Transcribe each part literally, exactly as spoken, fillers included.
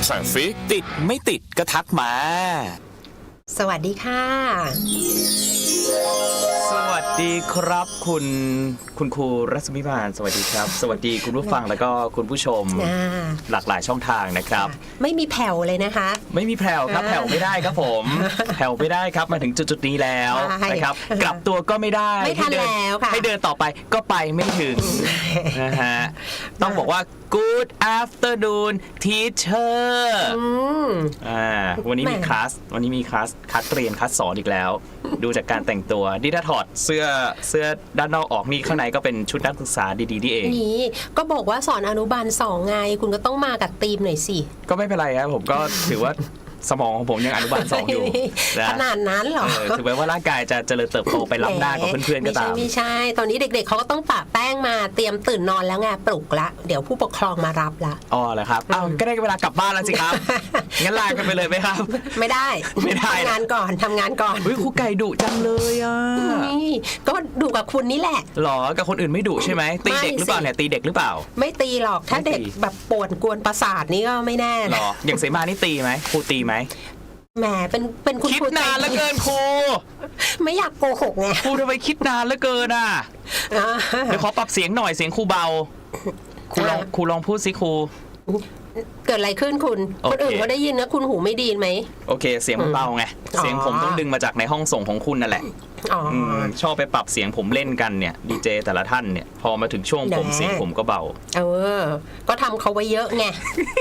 ทรฟฟิกติดไม่ติดก็ทักมาสวัสดีค่ะสวัสดีครับคุณคุณครูรัศมิมานสวัสดีครับสวัสดีคุณผู้ฟังแล้วก็คุณผู้ชมหลากหลายช่องทางนะครับไม่มีแผ่วเลยนะคะไม่มีแผ่วครับแผ่วไม่ได้ครับผมแผ่วไม่ได้ครับมาถึงจุดๆนี้แล้วนะครับกลับตัวก็ไม่ได้ไม่ทันแล้วค่ะให้เดินต่อไปก็ไปไม่ถึงนะฮะต้องบอกว่า Good afternoon teacher อ่าวันนี้มีคลาสวันนี้มีคลาสคัดเรียนคัดสอนอีกแล้วดูจากการแต่งตัวนี่ถ้าถอดเสื้อเสื้อด้านนอกออกนี่ข้างในก็เป็นชุดนักศึกษาดีๆนี่เองนี่ก็บอกว่าสอนอนุบาลสองไงคุณก็ต้องมากับธีมหน่อยสิก็ไม่เป็นไรครับผมก็ถือว่าสมองของผมยังอนุบาลสองอยู่ขนาดนั้นเหรอถือว่าร่างกายจะเจริญเติบโตไปล้ำหน้ากับเพื่อนๆก็ตามไม่ใช่ตอนนี้เด็กๆเขาก็ต้องปะแป้งมาเตรียมตื่นนอนแล้วไงปลุกละเดี๋ยวผู้ปกครองมารับละอ๋อเหรอครับอ้าวก็ได้เวลากลับบ้านแล้วสิครับงั้นลากันไปเลยไหมครับไม่ได้ไม่ได้ทำงานก่อนทำงานก่อนเฮ้ยครูไก่ดุจังเลยอ่ะนี่ก็ดุกับคุณนี่แหละหรอกับคนอื่นไม่ดุใช่ไหมตีเด็กหรือเปล่าเนี่ยตีเด็กหรือเปล่าไม่ตีหรอกถ้าเด็กแบบปวดกวนประสาทนี่ก็ไม่แน่หรออย่างเสมานี่ตีไหมครูตีไหมแหมเป็นเป็นคุณคิดนานเหลือเกินครูไม่อยากโกหกไงครูทำไมคิดนานเหลือเกินอ่ะเดี๋ยวขอปรับเสียงหน่อยเสียงครูเบาครูลองครูลองพูดสิครูเกิดอะไรขึ้นคุณคนอื่นเขาได้ยินนะคุณหูไม่ดีไหมโอเคเสียงมันเบาไงเสียงผมต้องดึงมาจากในห้องส่งของคุณนั่นแหละชอบไปปรับเสียงผมเล่นกันเนี่ยดีเจแต่ละท่านเนี่ยพอมาถึงช่วงผมเสียงผมก็เบาเออก็ทำเขาไว้เยอะไง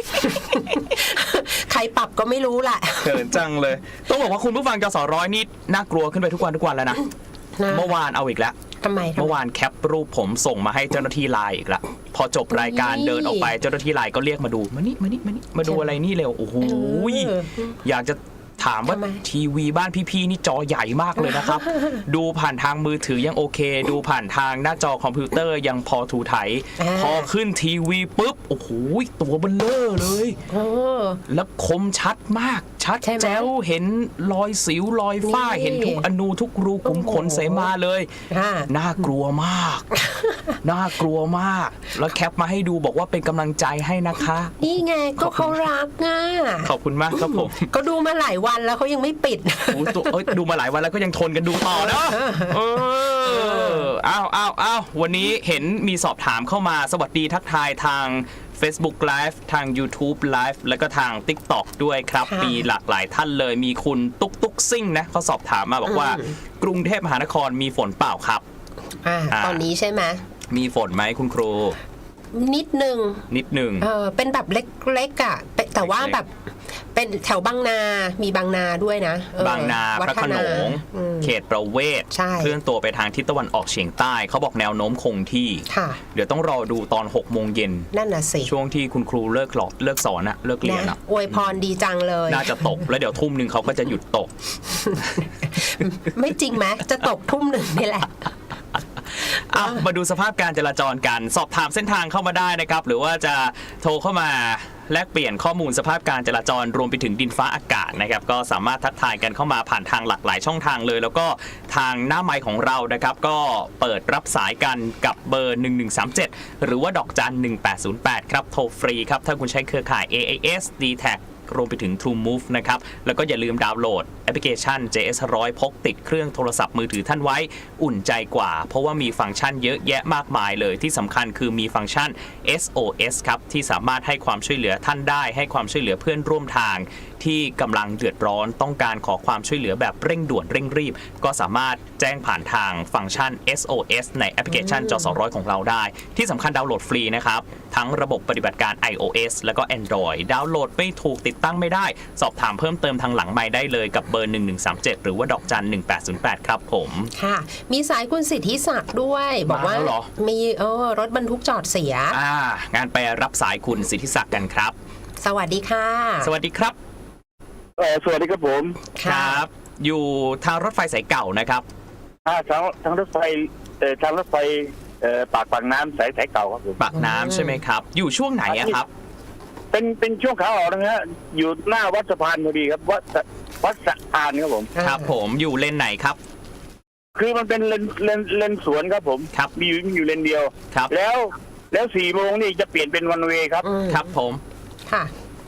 ใครปรับก็ไม่รู้แหละเขินจังเลยต้องบอกว่าคุณผู้ฟังจสร้อยนี่น่ากลัวขึ้นไปทุกวันทุกวันแล้วนะเมื่อวานเอาอีกแล้วทำไมเมื่อวานแคปรูปผมส่งมาให้เจ้าหน้าที่ไลน์อีกละพอจบรายการเดินออกไปเจ้าหน้าที่ไลน์ก็เรียกมาดูมานี่มานี่มานี่มาดูอะไรนี่เร็วโอ้โหอยากจะถามว่าทีวีบ้านพี่ๆนี่จอใหญ่มากเลยนะครับดูผ่านทางมือถือยังโอเคดูผ่านทางหน้าจอคอมพิวเตอร์ยังพอถูไถพอขึ้นทีวีปุ๊บโอ้โหตัวเบลเลอร์เลยแล้วคมชัดมากชัดแจ๋วเห็นรอยสิวรอยฝ้าเห็นทุกอนูทุกรูขุมขนเสมาเลยน่ากลัวมากน่ากลัวมากแล้วแคปมาให้ดูบอกว่าเป็นกำลังใจให้นะคะนี่ไงก็เขารักอ่ะขอบคุณมากครับผมก็ดูมาหลายวันแล้วเขายังไม่ปิดดูมาหลายวันแล้วก็ยังทนกันดูต่อเนาะเอออ้าวอ้าวอ้าววันนี้เห็นมีสอบถามเข้ามาสวัสดีทักทายทาง Facebook Live ทาง YouTube Live แล้วก็ทาง TikTok ด้วยครับมีหลากหลายท่านเลยมีคุณตุ๊กตุ๊กซิ่งนะเขาสอบถามมาบอกว่ากรุงเทพมหานครมีฝนเปล่าครับตอนนี้ใช่ไหมมีฝนไหมคุณครูนิดนึงนิดนึงเออเป็นแบบเล็กๆอ่ะแต่ว่าแบบเป็นแถวบางนามีบางนาด้วยนะบางนาพระโขนงเขตประเวศเคลื่อนตัวไปทางทิศตะวันออกเฉียงใต้เขาบอกแนวโน้มคงที่เดี๋ยวต้องรอดูตอนหกโมงเย็นนั่นน่ะสิช่วงที่คุณครูเลิกหลอดเลิกสอนอะเลิกเรียนอะอวยพรดีจังเลยน่าจะตกแล้วเดี๋ยวทุ่มหนึ่งเขาก็จะหยุดตกไม่จริงไหมจะตกทุ่มหนึ่งนี่แหละเอามาดูสภาพการจราจรกันสอบถามเส้นทางเข้ามาได้นะครับหรือว่าจะโทรเข้ามาแลกเปลี่ยนข้อมูลสภาพการจราจรรวมไปถึงดินฟ้าอากาศนะครับก็สามารถทักทายกันเข้ามาผ่านทางหลากหลายช่องทางเลยแล้วก็ทางหน้าไมค์ของเรานะครับก็เปิดรับสายกันกับเบอร์หนึ่งหนึ่งสามเจ็ดหรือว่าดอกจันหนึ่งแปดศูนย์แปดครับโทรฟรีครับถ้าคุณใช้เครือข่าย เอ เอ เอส ดี แท็กรวมไปถึง True Move นะครับแล้วก็อย่าลืมดาวน์โหลดแอปพลิเคชัน เจ เอส หนึ่งร้อย พกติดเครื่องโทรศัพท์มือถือท่านไว้อุ่นใจกว่าเพราะว่ามีฟังก์ชันเยอะแยะมากมายเลยที่สำคัญคือมีฟังก์ชัน เอส โอ เอส ครับที่สามารถให้ความช่วยเหลือท่านได้ให้ความช่วยเหลือเพื่อนร่วมทางที่กำลังเดือดร้อนต้องการขอความช่วยเหลือแบบเร่งด่วนเร่งรีบก็สามารถแจ้งผ่านทางฟังก์ชัน เอส โอ เอส ในแอปพลิเคชันจสร้อยของเราได้ที่สำคัญดาวน์โหลดฟรีนะครับทั้งระบบปฏิบัติการ iOS แล้วก็ Android ดาวน์โหลดไม่ถูกติดตั้งไม่ได้สอบถามเพิ่มเติมทางหลังไมค์ได้เลยกับเบอร์หนึ่งหนึ่งสามเจ็ดหรือว่าดอกจันหนึ่งแปดศูนย์แปดครับผมค่ะมีสายคุณสิทธิศักดิ์ด้วยบอกว่ามีเออรถบรรทุกจอดเสียอ่างานไปรับสายคุณสิทธิศักดิ์กันครับสวัสดีค่ะสวัสดีครับเออสวัสดีครับผมครับอยู่ทางรถไฟสายเก่านะครับอ่าทางทางรถไฟเอ่อทางรถไฟเอ่อปากปากน้ำสายสายเก่าครับผมปากน้ำใช่ไหมครับอยู่ช่วงไหนอะครับเป็นเป็นช่วงขาออกนะฮะอยู่หน้าวัดสะพานพอดีครับวัดวัดสะพานครับผมครับผมอยู่เลนไหนครับคือมันเป็นเลนเลนเลนสวนครับผมครับมีอยู่อยู่เลนเดียวครับแล้วแล้วสี่โมงนี่จะเปลี่ยนเป็นวันเวย์ครับครับผมค่ะค่ะ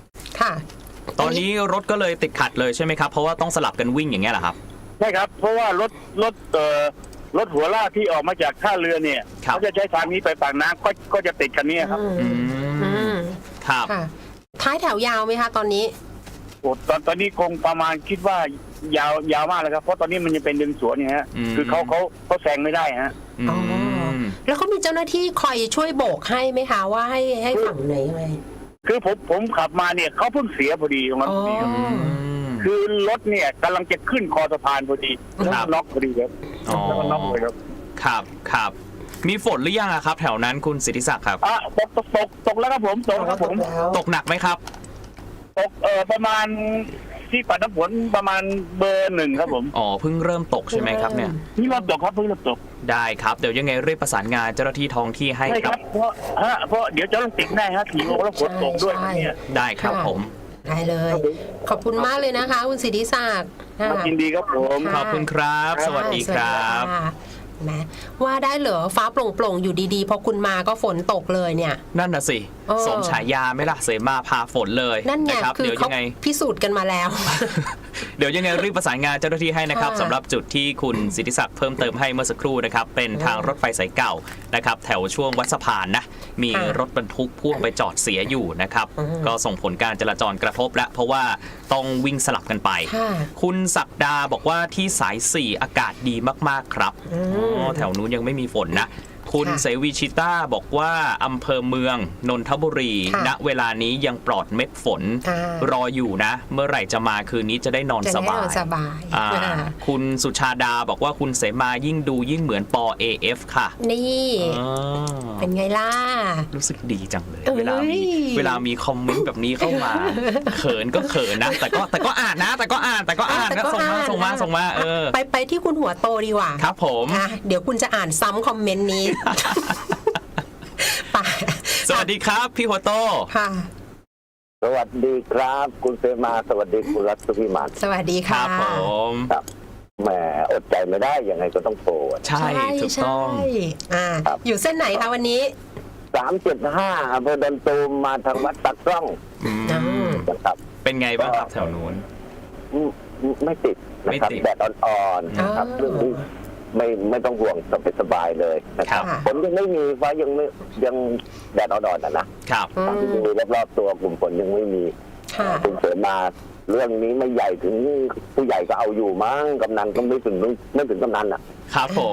ค่ะตอนนี้รถก็เลยติดขัดเลยใช่ไหมครับเพราะว่าต้องสลับกันวิ่งอย่างเงี้ยเหรอครับใช่ครับ เพราะว่ารถรถเอ่อรถหัวลากที่ออกมาจากท่าเรือเนี่ยครับเขาจะใช้ทางนี้ไปปากน้ำก็ก็จะติดกันเนี่ยครับอือืมอืมมครับค่ะ ท้ายแถวยาวไหมคะตอนนี้โอ้ตอนตอนนี้คงประมาณคิดว่ายาวยาวมากเลยครับเพราะตอนนี้มันยังเป็นดึงสวนเนี่ยฮะอืมคือเขาเขาเขาแซงไม่ได้ฮะอือ๋อมแล้วเขามีเจ้าหน้าที่คอยช่วยโบกให้ไหมคะว่าให้ให้ฝั่งไหนยังไงคือผมผมขับมาเนี่ยเขาเพิ่งเสียพอดีตรงนั้นอ๋อพอดีครับอืมคือรถเนี่ยกำลังจะขึ้นคอสะพานพอดีแล้วครัก็บน็อกพอดีครับอ๋อแล้วก็น็อกเลยครับครับครับมีฝนหรือยังอะครับ แถวนั้นคุณสิทธิศักดิ์ครับอ่ะตกตกตกตกแล้วครับผมตกแล้วครับผมตกหนักไหมครับตกเอ่อประมาณที่ปัดน้ำฝนประมาณเบอร์หนึ่งครับผมอ๋อเพิ่งเริ่มตกใช่ไหมครับเนี่ยนี่เริ่มตกครับเพิ่งเริ่มตกได้ครับเดี๋ยวยังไงรีบประสานงานเจ้าหน้าที่ท้องที่ให้ใช่คครัรับ บเพราะฮะเพราะเดี๋ยวจะต้องติดแน่ฮะขี่ลงแล้วฝนตกด้วยใช่เนี่ยได้ครับผมได้เลย ขอบคุณมากเลยนะคะ คุณสิทธิศักดิ์ค่ะยินดีครับผมขอบคุณครับ สวัสดีครับสวัสดีค่ะแหมว่าได้เหรอฟ้าโปร่งๆอยู่ดีๆพอคุณมาก็ฝนตกเลยเนี่ยนั่นน่ะสิเออสมฉายาไหมล่ะเสมาพาฝนเลยนั่นไงะครับคือเดี๋ยวเขายังไงพิสูจน์กันมาแล้วเดี๋ยวยังไงรีบประสานงานเจ้าหน้าที่ให้นะครับค่ะสำหรับจุดที่คุณสิทธิศักดิ์เพิ่มเติมให้เมื่อสักครู่นะครับเป็นทางรถไฟสายเก่านะครับแถวช่วงวัดสะพานนะมีค่ะรถบรรทุกพ่วงไปจอดเสียอยู่นะครับอืมก็ส่งผลการจราจรกระทบแล้วเพราะว่าต้องวิ่งสลับกันไปค่ะคุณศักดาบอกว่าที่สายสี่อากาศดีมากๆครับอืมอ๋อแถวนู้นยังไม่มีฝนนะ คุณค่ะเสวีชิต้าบอกว่าอำเภอเมืองนนทบุรีค่ะณเวลานี้ยังปลอดเม็ดฝนอ่ารออยู่นะ เมื่อไหร่จะมาคืนนี้จะได้นอนจะสได้บานอนยสบายอ่าอ่าคุณสุชาดาบอกว่าคุณเสมายิ่งดูยิ่งเหมือนปอ เอ เอฟ ค่ะนี่อ๋อเป็นไงล่ะรู้สึกดีจังเลยเอ้ยเวลามีเวลามีคอมเมนต์แบบนี้เข้ามา เขินก็เขินนะ แต่ก็แต่ก็อ่านนะ แต่ก็อ่านแต่ก็อ่านแต่นะก็ส่งมาอ่านส่งมาส่งมาเออไปไปที่คุณหัวโตดีกว่าครับผมอ่ะเดี๋ยวคุณจะอ่านซ้ำคอมเมนต์นี้ ไปสวัสดีครับ พี่หัวโตค่ะสวัสดีครับ คุณเสมาสวัสดีคุณรัตพิมานสวัสดีคค่ะรับผมครับแหมอดใจไม่ได้ยังไงก็ต้องโทรใช่ถูกต้องใช่อ่าครับอยู่เส้นไหนคะวันนี้สามเจ็ดห้าอำเภอดันตูมมาทางวัดตักกล้องอืมอืมนะครับเป็นไงบ้างครับแถวนู้นอืมไม่ติดนะครับไม่ติดแดดอ่อนๆนะครับอ๋อเรื่องนี้ไม่ไม่ต้องห่วงสบายๆเลยนะครับค่ะฝนยังไม่มีฟ้ายังไม่ยังแดดอ่อนๆนะนะครับอืตามที่มมีรอบๆตัวกลุ่มฝนยังไม่มีค่ะคุณเสมาเรื่องนี้ไม่ใหญ่ถึงผู้ใหญ่ก็เอาอยู่มั้งกำนันก็ไม่ถึงไม่ถึงกำนันอ่ะครับผม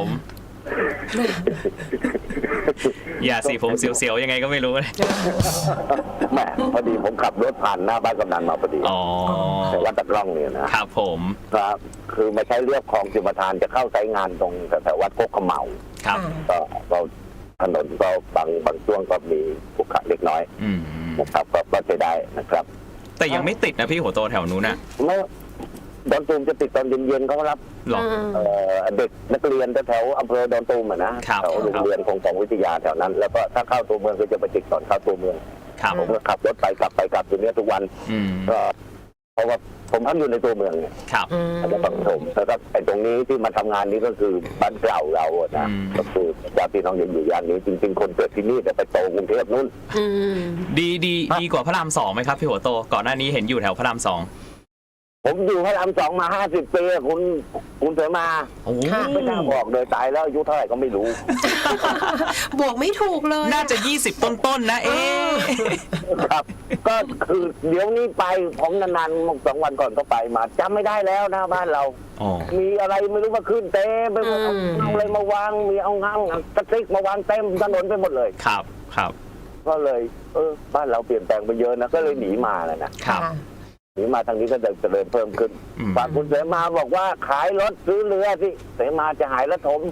อย่าสิผมเสียวๆยังไงก็ไม่รู้เลยแหมพอดีผมขับรถผ่านหน้าบ้านกำนันมาพอดีอ๋อแต่ว่าตะกล้องเนี่ยนะครับผมครับ คือไม่ใช่เรียบคลองจุมทานจะเข้าไซต์งานตรงแถววัดโคกเขมเหาครับก็ก็ถนนก็บางบางช่วงก็มีขรุขระเล็กน้อยอืมนะครับ ก็ก็ใช้ได้นะครับแต่ยังไม่ติดนะพี่หัวโตแถวนู้นน่ะเมื่อดอนตูมจะติดตอนเย็นๆเขารับหรออืมเอ่อเด็กนักเรียนแถวๆอำเภอดอนตูมอะนะครับ แถวโรงเรียนของของวิทยาแถวนั้น แล้วก็ถ้าเข้าตัวเมืองก็จะไปติดตอนเข้าตัวเมืองครับผมก็ขับรถไปกลับไปกลับอยู่เนี้ยทุกวันอืมก็เพราะว่าผมพักอยู่ในตัวเมืองเนี่ยครับอืมอาจจะฟังผมแล้วก็ไอ้ตรงนี้ที่มาทำงานนี้ก็คือบ้านเก่าเราอะนะอืมก็คือญาติพี่น้องยังอยู่ย่านนี้จริงๆคนเกิดที่นี่แต่ไปโตกรุงเทพนู่นอืมดีดีดีกว่าพระรามสองไหมครับพี่หัวโต ก่อนหน้านี้เห็นอยู่แถวพระรามสองผมอยู่พระรามสองมาห้าสิบปีอะคุณคุณเสมาโอ้โหค่ะไม่น่าบอกเลยตายแล้วอายุเท่าไหร่ก็ไม่รู้บวกไม่ถูกเลยน่าจะยี่สิบต้นๆนะเอ๊ะครับ ก็คือเดี๋ยวนี้ไปผมนานๆสองวันก่อนก็ไปมาจำไม่ได้แล้วนะบ้านเราอ๋อมีอะไรไม่รู้มาขึ้นเต็มไปหมดอืมเอาอะไรมาวางมีเอางังกระติกมาวางเต็มถนนไปหมดเลยครับครับก็เลย เออบ้านเราเปลี่ยนแปลงไปเยอะนะก็เลยหนีมาแหละนะครับค่ะหนีมาทางนี้ก็จะเจริญเพิ่มขึ้นอืมฝากคุณเสมาบอกว่าขายรถซื้อเรือสิเสมาจะหายแล้วถม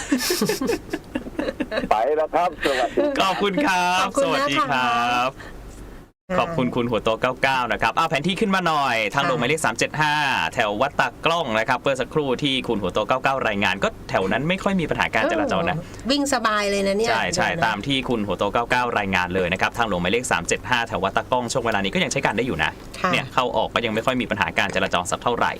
ไปแล้วครับสวัสดีขอบคุณครับขอบคุณสวัสดีนะคะครับ ขอบคุณคุณหัวโตเก้าเก้านะครับอ้าวแผนที่ขึ้นมาหน่อย ทางหลวงหมายเลขสามเจ็ดห้าแถววัดตากล้องนะครับเมื่อสักครู่ที่คุณหัวโตเก้าเก้ารายงาน ก็แถวนั้นไม่ค่อยมีปัญหาการจราจรนะเออวิ่งสบายเลยนะเนี่ยใช่ใช่ตามที่คุณหัวโตเก้าเก้ารายงานเลยนะครับทางหลวงหมายเลขสามเจ็ดห้าแถววัดตากล้องช่วงเวลานี้ก็ยังใช้การได้อยู่นะค่ะเนี่ยเข้าออกก็ยังไม่ค่อยมีปัญหาการจราจรสักเท่าไหร่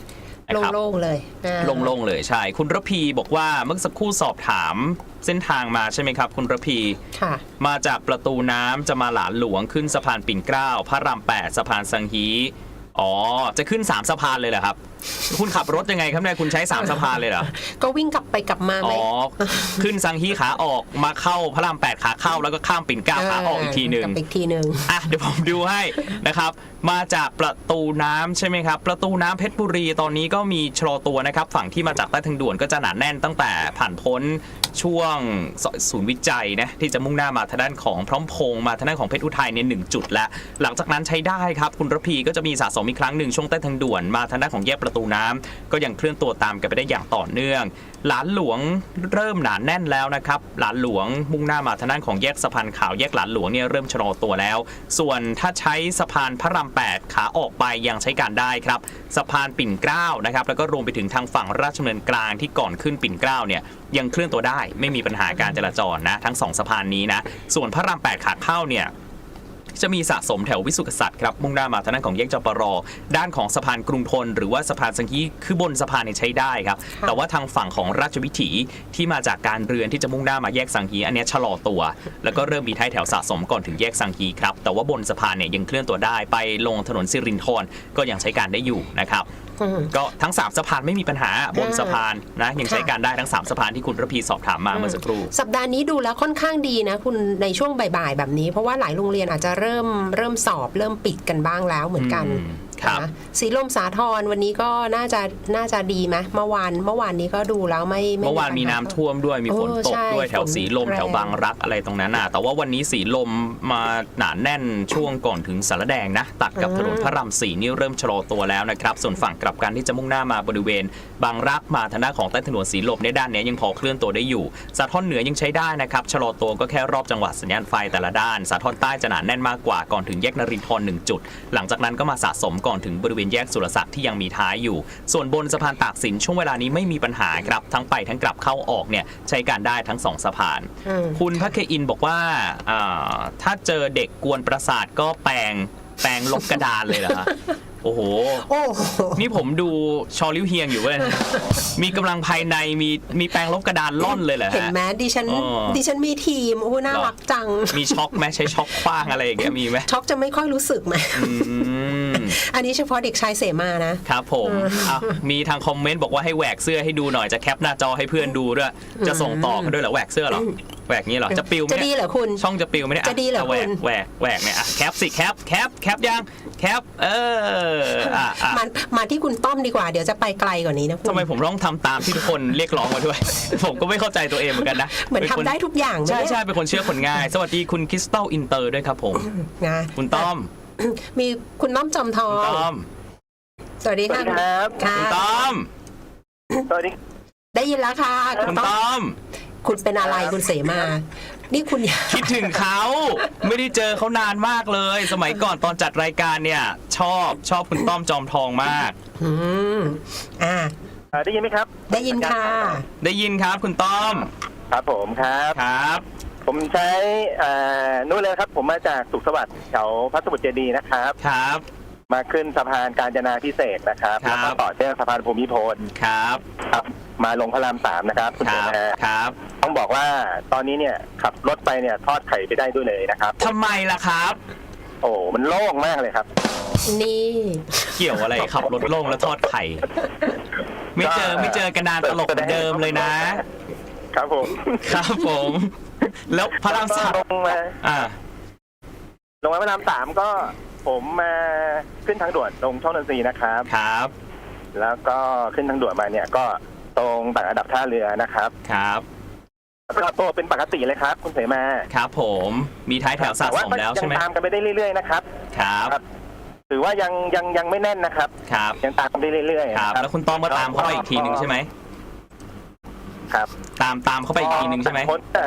นะครับโล่งๆเลยอ่าโล่งๆเลยใช่คุณระพีบอกว่าเมื่อสักครู่สอบถามเส้นทางมาใช่ไหมครับคุณระพีค่ะมาจากประตูน้ำจะมาหลานหลวงขึ้นสะพานปิ่นเกล้าพระรามแปดสะพานสังฮีอ๋อจะขึ้นสามสะพานเลยเหรอครับ คุณขับรถยังไงครับเนี่ยคุณใช้สามสะพานเลยเหรอก็วิ่งกลับไปกลับมาไหมอ๋อขึ้นสังฮีขาออกมาเข้าพระรามแปดขาเข้าแล้วก็ข้ามปิ่นเกล้าขาออกอีกทีหนึ่งกลับไปอีกทีหนึ่งอ่ะเดี๋ยวผมดูให้นะครับมาจากประตูน้ำใช่ไหมครับประตูน้ำเพชรบุรีตอนนี้ก็มีชะลอตัวนะครับฝั่งที่มาจากใต้ทางด่วนก็จะหนาแน่นตั้งแต่ผ่านพ้นช่วงศูนย์วิจัยนะที่จะมุ่งหน้ามาทางด้านของพร้อมพงษ์มาทางด้านของเพชรอุทัยเนี่ยหนึ่งจุดแล้วหลังจากนั้นใช้ได้ครับคุณระพีก็จะมีสะสมอีกครั้งหนึ่งช่วงใต้ทางด่วนมาทางด้านของแยกประตูน้ำก็ยังเคลื่อนตัวตามกันไปได้อย่างต่อเนื่องหลานหลวงเริ่มหนาแน่นแล้วนะครับหลานหลวงมุ่งหน้ามาทางด้านของแยกสะพานขาวแยกหลานหลวงเนี่ยเริ่มชะลอตัวแล้วส่วนถ้าใช้สะพานพระรามแปดขาออกไปยังใช้การได้ครับสะพานปิ่นเกล้านะครับแล้วก็รวมไปถึงทางฝั่งราชดำเนินกลางที่ก่อนขึ้นปิ่นเกล้าเนี่ยยังเคลื่อนตัวได้ไม่มีปัญหาการจราจรนะทั้งสองสะพานนี้นะส่วนพระรามแปดขาเข้าเนี่ยจะมีสะสมแถววิสุทธิกษัตริย์ครับมุ่งหน้ามาทางด้านของแยกจปรด้านของสะพานกรุงทนหรือว่าสะพานสังฮีคือบนสะพานเนี่ยใช้ได้ครับแต่ว่าทางฝั่งของราชวิถีที่มาจากการเรือนที่จะมุ่งหน้ามาแยกสังฮีอันนี้ชะลอตัวแล้วก็เริ่มมีท้ายแถวสะสมก่อนถึงแยกสังฮีครับแต่ว่าบนสะพานเนี่ยยังเคลื่อนตัวได้ไปลงถนนสิรินธรก็ยังใช้การได้อยู่นะครับก็ทั้งสามสะพานไม่มีปัญหาบนสะพานนะยังใช้การได้ทั้งสามสะพานที่คุณระพีสอบถามมาเมื่อสักครู่สัปดาห์นี้ดูแล้วค่อนข้างดีนะคุณในช่วงบ่ายๆแบบนี้เพราะว่าหลายโรงเรียนอาจจะเริ่มเริ่มสอบเริ่มปิดกันบ้างแล้วเหมือนกันนะสีลมสาทรวันนี้ก็น่าจะน่าจะดีไหมเมื่อวานเมื่อวานนี้ก็ดูแล้วไม่เมื่อวานมีน้ำท่วมด้วยมีฝนตกด้วยแถวสีลมแถวบางรักอะไรตรงนั้นน่ะแต่ว่าวันนี้สีลมมาหนาแน่นช่วงก่อนถึงสารแดงนะตัดกับถนนพระรามสี่นี่เริ่มชะลอตัวแล้วนะครับส่วนฝั่งกลับกันที่จะมุ่งหน้ามาบริเวณบางรักมาทางด้านของใต้ถนนสีลมในด้านนี้ยังพอเคลื่อนตัวได้อยู่สาทรเหนือยังใช้ได้นะครับชะลอตัวก็แค่รอบจังหวัดสัญญาณไฟแต่ละด้านสาทรใต้จะหนาแน่นมากกว่าก่อนถึงแยกนรินทร์หนึ่งจุดหลังจากนั้นก็มาสะสมก่อนถึงบริเวณแยกสุรศักดิ์ที่ยังมีท้ายอยู่ส่วนบนสะพานตากสินช่วงเวลานี้ไม่มีปัญหาครับทั้งไปทั้งกลับเข้าออกเนี่ยใช้การได้ทั้งสองสะพานคุณพระเคอินบอกว่าถ้าเจอเด็กกวนประสาทก็แปลงแปลงลบกระดานเลยเหรอคะโอ้โหนี่ผมดูชอลิวเฮียงอยู่เว้ยมีกำลังภายในมีมีแปลงลบกระดานล่อนเลยเหรอฮะเห็นไหมดิฉันดิฉันมีทีมโอ้น่ารักจังมีช็อกไหมใช้ช็อกคว้างอะไรอย่างเงี้ยมีไหมช็อกจะไม่ค่อยรู้สึกไหมอันนี้เฉพาะเด็กชายเสมานะครับผมมีทางคอมเมนต์บอกว่าให้แหวกเสื้อให้ดูหน่อยจะแคปหน้าจอให้เพื่อนดูด้วยจะส่งต่อกันด้วยเหรอแหวกเสื้อเหรอแหวกนี้เหรอจะปิวไหมจะดีเหรอคุณช่องจะปิวไหมเนี่ยจะดีเหรอคุณแหวกแหวกเนี่ยแคปสิแคปแคปแคปยังแคปเออมามาที่คุณต้อมดีกว่าเดี๋ยวจะไปไกลกว่านี้นะคุณทำไมผมต้องทำตามที่ทุกคนเรียกร้องมาด้วยผมก็ไม่เข้าใจตัวเองเหมือนกันนะเหมือนทำได้ทุกอย่างใช่ใช่เป็นคนเชื่อคนง่ายสวัสดีคุณคริสตัลอินเตอร์ด้วยครับผมนะคุณต้อมมีคุณต้อมจอมทองต้อมสวัสดีครับคุณต้อมสวัสดีได้ยินแล้วค่ะคุณต้อมคุณเป็นอะไรคุณเสมานี่คุณคิดถึงเขาไม่ได้เจอเขานานมากเลยสมัยก่อนตอนจัดรายการเนี่ยชอบชอบคุณต้อมจอมทองมากอืมอ่าได้ยินไหมครับได้ยินค่ะได้ยินครับคุณต้อมครับผมครับครับผมใช้นู่นเลยครับผมมาจากสุขสวัสดิ์แถวพระสมุทรเจดีย์นะครับครับมาขึ้นสะพานกาญจนาพิเศษนะครับแล้วก็ต่อเชื่อมสะพานภูมิพลครับครับมาลงพระรามสามนะครับคุณเจริญครับต้องบอกว่าตอนนี้เนี่ยขับรถไปเนี่ยทอดไข่ไปได้ด้วยเลยนะครับทำไมล่ะครับโอ้มันโล่งมากเลยครับนี่เกี่ยวอะไรขับรถโล่งแล้วทอดไข่ไม่เจอไม่เจอกันนานตลกเหมือนเดิมเลยนะครับผมครับผมแล้วพระรามสามลงมาอ่าลงมาพระรามสามก็ผมมาขึ้นทางด่วนลงช่องนนทรีนะครับครับแล้วก็ขึ้นทางด่วนมาเนี่ยก็ตรงต่างระดับท่าเรือนะครับครับก็ตัวเป็นปกติเลยครับคุณเสมาครับผมมีท้ายแถวสะสมแล้วใช่ไหมยังตามกันไปได้เรื่อยๆนะครับครับถือว่ายังยังยังไม่แน่นนะครับครับยังตามกันไปเรื่อยๆครับแล้วคุณต้อมก็ตามเข้าไปอีกทีนึงใช่ไหมครับตามตามเข้าไปอีกทีนึงใช่ไหม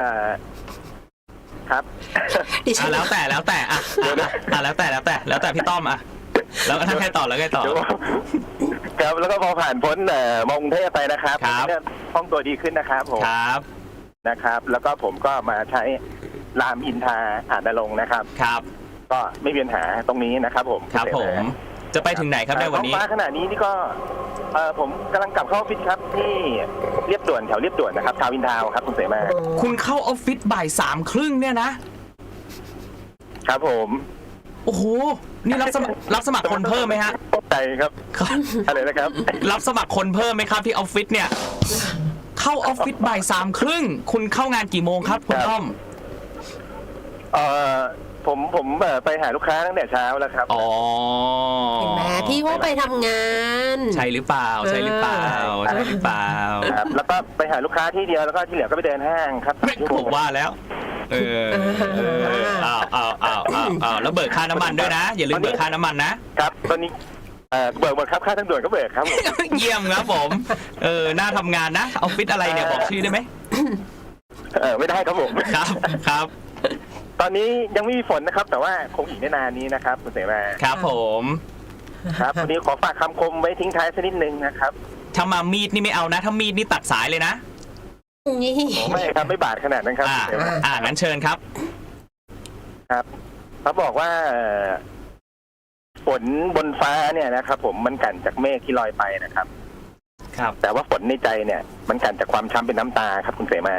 ครับแล้วแต่แล้วแต่อ่ะอ่ะแล้วแต่แล้วแต่แล้วแต่พี่ต้อมอ่ะแล้วถ้าใครต่อแล้วใครต่อครับแล้วก็พอผ่านพ้นมองเทพไปนะครับห้องตัวดีขึ้นนะครับผมครับนะครับแล้วก็ผมก็มาใช้รามอินทราอาจนรงค์นะครับครับก็ไม่มีปัญหาตรงนี้นะครับผมครับผมจะไปถึงไหนครับในวันนี้ฟ้าขณะนี้นี่ก็เออผมกำลังกลับเข้าออฟฟิศครับที่เรียบด่วนแถวเรียบด่วนนะครับทาวน์อินทาวน์ครับคุณเสมาคุณเข้าออฟฟิศบ่ายสามครึ่งเนี่ยนะครับผมโอ้โห นี่รับสมัครรับสมัครคนเพิ่มไหมฮะตกใจครับครับอะไรนะครับรับสมัครคนเพิ่มไหมครับที่ออฟฟิศเนี่ย เข้าออฟฟิศบ่ายสามครึ่งคุณเข้างานกี่โมงครับคุณต้อมเออผมผมเอ่อไปหาลูกค้าตั้งแต่เช้าแล้วครับอ๋อเห็นไหมพี่ว่าไปทำงานใช่หรือเปล่า ใช่หรือเปล่า ใช่หรือเปล่าครับแล้วก็ไปหาลูกค้าที่เดียวแล้วก็ที่เหลือก็ไปเดินห้างครับไม่ผมว่าแล้ว เออเอออ้าวอ้าวอ้าวอ้าวอ้าวแล้วเบิกค่าน้ำมันด้วยนะ อย่าลืมเบิกค่าน้ำมันนะครับตอนนี้เอ่อเบิกหมดครับค่าทางด่วนก็เบิกครับผมเยี่ยมครับผม เออ น่าทำงานนะ ออฟฟิศอะไรเนี่ยบอกชื่อได้ไหมเออไม่ได้ครับผมครับ ครับตอนนี้ยังไม่มีฝนนะครับ แต่ว่าคงอีกไม่นานนี้นะครับคุณเสมาครับผมครับวันนี้ขอฝากคำคมไว้ทิ้งท้ายสักนิดนึงนะครับถ้ามามีดนี่ไม่เอานะ ถ้ามีดนี่ตัดสายเลยนะนี่ไม่ครับไม่บาดขนาดนั้นครับอ่าคุณเสมาอ่างั้นเชิญครับครับเขาบอกว่าเอ่อฝนบนฟ้าเนี่ยนะครับผมมันกั่นจากเมฆที่ลอยไปนะครับครับแต่ว่าฝนในใจเนี่ย มันกั่นจากความช้ำเป็นน้ำตาครับคุณเสมา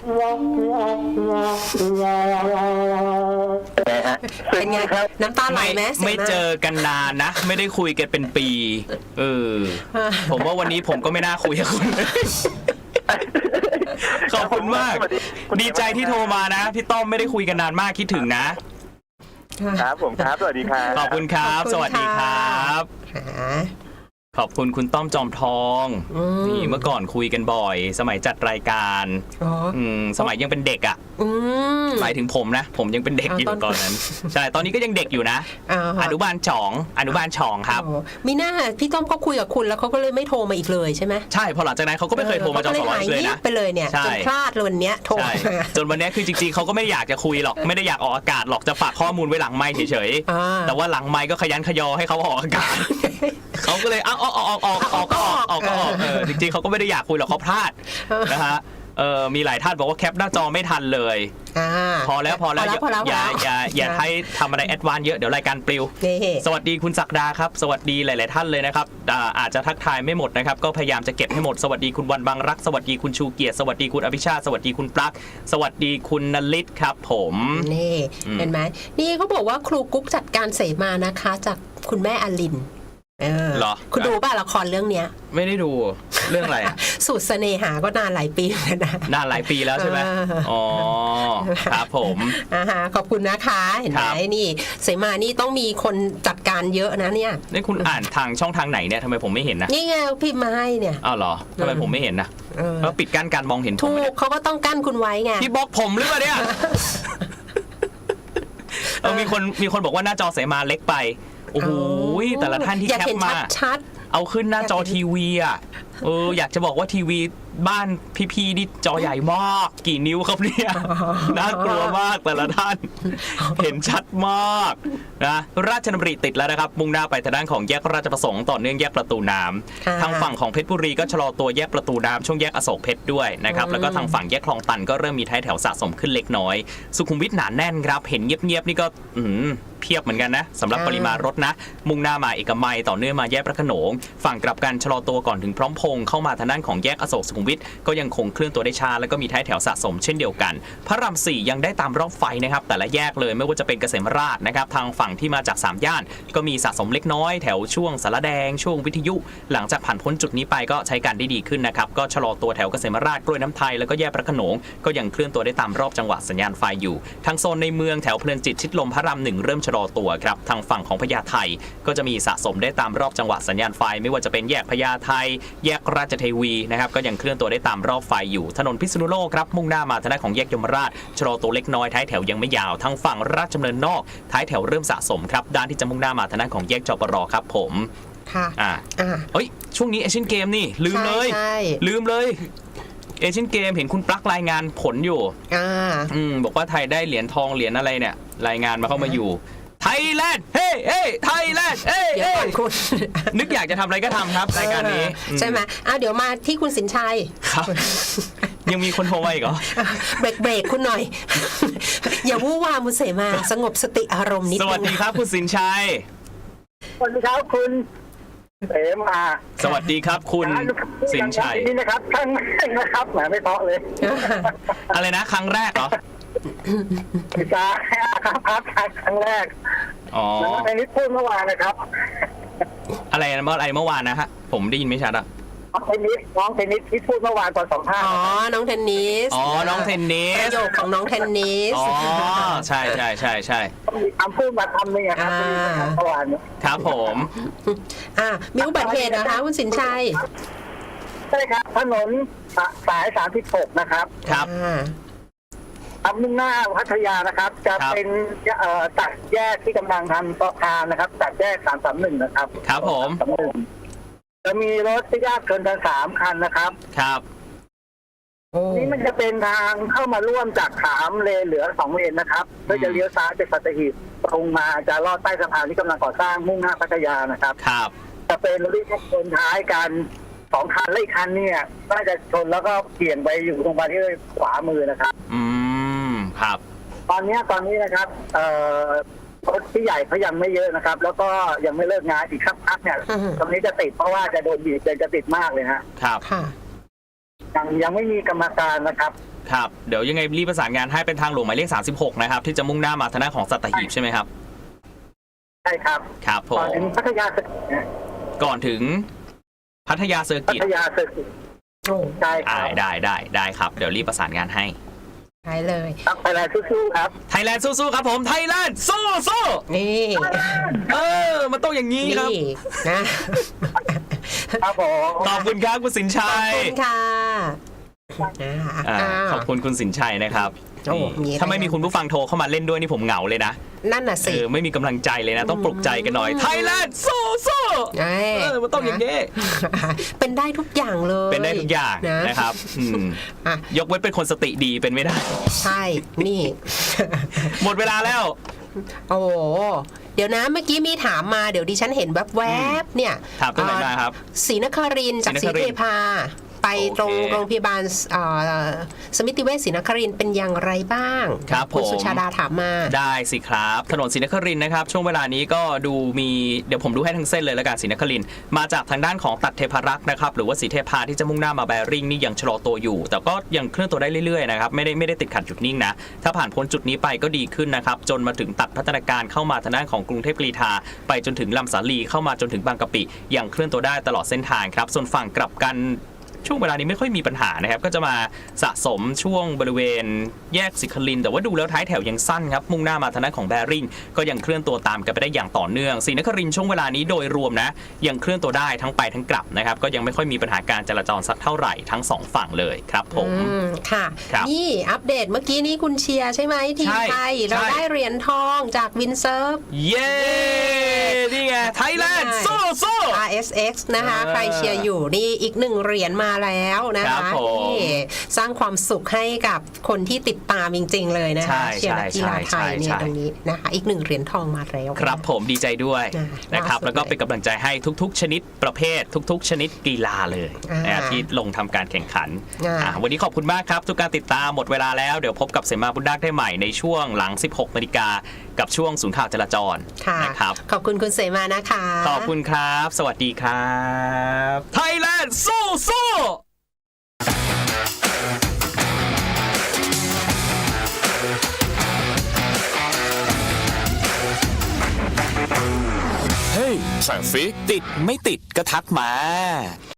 เป็นไงฮะเป็นไงครับน้ำตาไหลไม่ไหมสียไม่าเจอกันนานนะ ไม่ได้คุยกันเป็นปี เออ ผมว่าวันนี้ผมก็ไม่น่าคุยกับคุณ ขอบคุณมากสวัสคุณดีใจที่โทรมานะ พี่ต้อมไม่ได้คุยกันนานมากคิดถึงนะครับผมครับสวัสดีครับขอบคุณครับ สวัสดีครับหาขอบคุณคุณต้อมจอมทองอืมนี่เมื่อก่อนคุยกันบ่อย สมัยจัดรายการอ๋ออืมสมัยยังเป็นเด็กอ่ะอืมหมายถึงผมนะ ผมยังเป็นเด็กอยู่อ่าตอนตอนนั้น ใช่ ตอนนี้ก็ยังเด็กอยู่นะอ่าอนุบาลสองอนุบาลสองครับโอ้มีหน้าพี่ต้อมเขาคุยกับคุณแล้วเขาก็เลยไม่โทรมาอีกเลยใช่ไหมใช่ พอหลังจากนั้นเขาก็ไม่เคยโทรมาจอสร้อยเลยนะไปเลยเนี่ยใช่จนพลาดเลยวันเนี้ยโทรใช่มาจนวันนี้คือจริงๆเขาก็ไม่อยากจะคุยหรอก ไม่ได้อยากออกอากาศหรอก จะฝากข้อมูลไว้หลังไมค์เฉยอ่าๆ แต่ว่าหลังไมค์ก็ขยันขยอให้เขาออกอากาศ เขาก็เลยเอาออกออกออกออกก็ออกออกก็ออกเออจริงๆเขาก็ไม่ได้อยากคุยหรอกเขาพลาดนะฮะเออมีหลายท่านบอกว่าแคปหน้าจอไม่ทันเลยอ่าพอแล้วพอแล้วพอแล้วอย่าพอแล้วอย่าอย่าให้ทำอะไรแอดวานซ์เยอะเดี๋ยวรายการปลิวนี่สวัสดีคุณศักดาครับ สวัสดีหลาย ๆ ท่านเลยนะครับอ่าอาจจะทักทายไม่หมดนะครับ ก็พยายามจะเก็บให้หมด สวัสดีคุณวันบางรัก สวัสดีคุณชูเกียรติ สวัสดีคุณอภิชาติ สวัสดีคุณปลั๊ก สวัสดีคุณนลิศครับผมนี่อืมเห็นไหมนี่เขาบอกว่าครูกุ๊กจัดการเสมานะคะ จากคุณแม่อลินเออเหรอคุณดูป่ะละครเรื่องเนี้ยไม่ได้ดูเรื่องอะไรอะสูตรเสน่หาก็นานหลายปีแล้วนะนานหลายปีแล้วใช่ไหมเอออ๋อครับผมอ่าฮะขอบคุณนะคะ เห็นไหมครับนี่เสมานี่ต้องมีคนจัดการเยอะนะเนี่ยนี่คุณอ่านทางช่องทางไหนเนี่ยทำไมผมไม่เห็นนะนี่ไงพิมพ์มาให้เนี่ยอ้าวเหรอทำไมผมไม่เห็นนะเออแล้วปิดกั้นการมองเห็นผมถูไหมกเนี่ยเขาก็ต้องกั้นคุณไว้ไงพี่บล็อกผมหรือเปล่าเนี่ย เออมีคนมีคนบอกว่าหน้าจอเสมาเล็กไปโอ้โหแต่ละท่านที่อยากแคปเห็นมาชัดเอาขึ้นหน้าจอทีวีอ่ะ เอออยากจะบอกว่าทีวีบ้านพี่ๆนี่จอใหญ่มาก กี่นิ้วครับเนี่ย น่ากลัวมากแต่ละท่าน เห็นชัดมากนะราชดำริติดแล้วนะครับ มุ่งหน้าไปทางด้านของแยกราชประสงค์ต่อเนื่องแยกประตูน้ำค่ะทางฝั่งของเพชรบุรีก็ชะลอตัวแยกประตูน้ำช่วงแยกอโศกเพชรด้วยนะครับอืมแล้วก็ทางฝั่งแยกคลองตันก็เริ่มมีท้ายแถวสะสมขึ้นเล็กน้อย สุขุมวิทหนาแน่นครับ เห็นเงียบๆนี่ก็อืมเพียบเหมือนกันนะสำหรับปริมาณรถนะ มุ่งหน้ามาเอกมัยต่อเนื่องมาแยกพระโขนง ฝั่งกลับกันชะลอตัวก่อนถึงพร้อมพงษ์เข้ามาทางด้านของแยกอโศกสุขุมวิทก็ยังคงเคลื่อนตัวได้ช้าแล้วก็มีท้ายแถวสะสมเช่นเดียวกัน พระรามสี่ยังได้ตามรอบไฟนะครับแต่ละแยกเลยไม่ว่าจะเป็นเกษมราษฎร์นะครับทางฝั่งที่มาจากสามย่านก็มีสะสมเล็กน้อยแถวช่วงสารแดงช่วงวิทยุ หลังจากผ่านพ้นจุดนี้ไปก็ใช้การได้ดีขึ้นนะครับก็ชะลอตัวแถวเกษมราษฎร์กล้วยน้ำไทยแล้วก็แยกพระโขนงก็ยังเคลื่อนตัวได้ตามรอบจังหวะสัญญาณไฟอยู่ทางโซนในเมืองแถวเพลินจิตชิดลมพระรามหนึ่งเริ่มชะลอตัวครับทางฝั่งของพญาไทก็จะมีสะสมได้ตามรอบจังหวะสัญญาณไฟไม่ว่าจะเป็นแยกพญาไทแยกราชเทวีนะครับก็ยังเคลื่อนตัวได้ตามรอบไฟอยู่ถนนพิษณุโลกครับมุ่งหน้ามาทางด้านของแยกยมราชชะลอตัวเล็กน้อยท้ายแถวยังไม่ยาวทางฝั่งราชดำเนินนอกท้ายแถวเริ่มสะสมครับด้านที่จะมุ่งหน้ามาทางด้านของแยกจปรครับผมค่ะอ่าอ่าเอ้ยช่วงนี้เอเชียนเกมนี่ลืมเลยใช่ใช่ลืมเลยเอเชียนเกมเห็นคุณปลั๊กรายงานผลอยู่อ่าอืมบอกว่าไทยได้เหรียญทองเหรียญอะไรเนี่ยรายงานมาเข้ามาอยู่ไทยแลนด์เฮ้เฮ้ไทยแลนด์เฮ้เดี๋ยวเฮ้ก่อนคุณนึกอยากจะทำอะไรก็ทำครับรายการนี้เออใช่ไหมอ่ะเดี๋ยวมาที่คุณสินชัยครับ ยังมีคนโทรมาอีกเหรอเบรกเบรกคุณหน่อย อย่าวู่วามมุเสมาสงบสติอารมณ์นิดสวัสนึดีงครับคุณสินชัยสวัสดีครับคุณเอ๋มาสวัสดีครับคุณสินชัยนี่นะครับครั้งแรกนะครับแหมไม่เพาะเลยอะไรนะครั้งแรกเหรอพิจาครับครับครั้งแรกอ๋อในนี้พูดเมื่อวานนะครับอะไรนะเมื่ออะไรเมื่อวานนะฮะผมได้ยินไม่ชัดอะน้องเทนนิสน้องเทนนิสที่พูดเมื่อวานตอนสองท่าอ๋อ น้องเทนนิสอ๋อน้องเทนนิปสระโยคของน้องเทนนิสอ๋อใช่ใช่ใช่ใช่มีคำพูดมาคำหนึงอะครับอ่าเมื่อวานนี้ครับผมอ่ะมีอุบัติเหตุนะคะคุณสินชัยใช่ครับถนนสายสามสิบหกนะครับครับอ่าทำมุ่งหน้าพัทยานะครับ จะครับเป็นเอ่อตัดแยกที่กำลังทำสะพานนะครับตัดแยกสามสามหนึ่งนะครับครับผมสามหนึ่งจะมีรถที่ยากเกินกันสามคันนะครับครับโอ้นี่มันจะเป็นทางเข้ามาร่วมจากสามเลนเหลือสองเลนนะครับเพื่อจะเลี้ยวซ้ายไปสัตหีบตรงมาจะลอดใต้สะพานที่กำลังก่อสร้างมุ่งหน้าพัทยานะครับครับจะเป็นรถที่ชนท้ายกันสองคันและอีกคันเนี่ยน่าจะชนแล้วก็เบี่ยงไปอยู่ตรงไปที่ขวามือนะครับอืมครับตอนเนี้ยตอนนี้นะครับเอ่อรถที่ใหญ่เขายังไม่เยอะนะครับ แล้วก็ยังไม่เลิกงานอีกสักพักเนี่ยตรงนี้จะติดเพราะว่าจะโดนบีบจะจะติดมากเลยฮะครับค่ะยังยังไม่มีกรรมการนะครับครับเดี๋ยวยังไงรีบประสานงานให้เป็นทางหลวงหมายเลขสามสิบหกนะครับที่จะมุ่งหน้ามาทางด้านของสัตหีบใช่ไหมครับใช่ครับครับผก่อนมถึงพัทยาเสร็จนะก่อนถึงพัทยาเซอร์พักิตทยาเสร็จโอ้ใช่คอ่ารับได้ได้ได้ครับเดี๋ยวรีบประสานงานให้ใช่เลยครับไปแล้วสู้ๆครับไทยแลนด์สู้ๆครับผมไทยแลนด์สู้สู้นี่เออมันต้องอย่างนี้ครับนี่นะครับผมขอบคุณครับคุณสินขชัอบยคุณค่ะอ่าอ่าอ้าวขอบคุณคุณสินชัยนะครับโอ้นี่มีถ้าไม่มีคุณผู้ฟังโทรเข้ามาเล่นด้วยนี่ผมเหงาเลยนะนั่นน่ะเอสิอไม่มีกำลังใจเลยนะ ต้องปลุกใจกันหน่อยไทยแลนด์สู้สู้เอ้ยเออมันต้องอย่างนี้เป็นได้ทุกอย่างเลยเป็นได้ทุกอย่างนะนะครับอืมอ่ะยกเว้นเป็นคนสติดีเป็นไม่ได้ใช่ นี่หมดเวลาแล้วโอ้โหเดี๋ยวนะเมื่อกี้มีถามมาเดี๋ยวดิฉันเห็นแวบๆเนี่ยถามตรงไหนมาครับศรีนครินทร์จากศศรีรีนคริเทนทร์พา ไปตรงโอเคโรงพยาบาลเอ่อสมิติเวชศรีนครินทร์เป็นอย่างไรบ้างครับคุณผมสุชาดาถามมาได้สิครับถนนศรีนครินทร์นะครับช่วงเวลานี้ก็ดูมีเดี๋ยวผมดูให้ทั้งเส้นเลยแล้วกันศรีนครินทร์มาจากทางด้านของตัดเทพารักษ์นะครับหรือว่าศรีเทพาที่จะมุ่งหน้ามาแบริ่งนี่ยังชะลอตัวอยู่ แต่ก็ยังเคลื่อนตัวได้เรื่อยๆนะครับไม่ได้ไม่ได้ติดขัดจุดนิ่งนะถ้าผ่านพ้นจุดนี้ไปก็ดีขึ้นนะครับจนมาถึงตัดพัฒนาการเข้ามาทางด้านของกรุงเทพกรีฑาไปจนถึงลำสาลีเข้ามาจนถึงบางกะปิยังเคลื่อนตัวได้ตลอดเส้นทางครับส่วนฝั่งกลับกัน ช่วงเวลานี้ไม่ค่อยมีปัญหานะครับก็จะมาสะสมช่วงบริเวณแยกสิคลิน แต่ว่าดูแล้วท้ายแถวยังสั้นครับมุ่งหน้ามาทางด้านของแบริ่งก็ยังเคลื่อนตัวตามกันไปได้อย่างต่อเนื่องศรีนครินทร์ช่วงเวลานี้โดยรวมนะยังเคลื่อนตัวได้ทั้งไปทั้งกลับนะครับก็ยังไม่ค่อยมีปัญหาการจราจรสักเท่าไหร่ทั้งสองฝั่งเลยครับผมอืมค่ะครับนี่อัปเดตเมื่อกี้นี้คุณเชียร์ใช่ไหมทีมใช่ไทย เราใช่ได้เหรียญทองจากวินเซิร์ฟเย้นี่ไงไทยแลนด์สู้สู้อาร์ เอส เอ็กซ์ นะคะเออใครเชียร์อยู่นี่อีกหนึ่งเหรียญมาแล้วนะครัคะบผมนี่สร้างความสุขให้กับคนที่ติดตามจริง ๆ เลยนะใช่คะเชียร์นักกีฬาไทยเนี่ใช่ยใช่ตรงนี้นะคะอีกหนึ่งเหรียญทองมาแล้วครับผมดีใจด้วยอ่านะครับล่าสุดแล้วก็เป็นกำลังใจให้ทุกๆ ชนิดประเภททุก ๆ ชนิดกีฬาเลยอ่านะที่ลงทำการแข่งขันอ่าอ่าวันนี้ขอบคุณมากครับ ทุกการติดตามหมดเวลาแล้วเดี๋ยวพบกับเสมาบุญดักได้ใหม่ในช่วงหลัง สิบหกนาฬิกากับช่วงศูนย์ข่าวจราจรค่ะนะครับขอบคุณคุณเสมานะคะขอบคุณครับ สวัสดีครับไทยแลนด์สู้สู้เฮ้ยสั่งฟิกติดไม่ติดก็ทักมา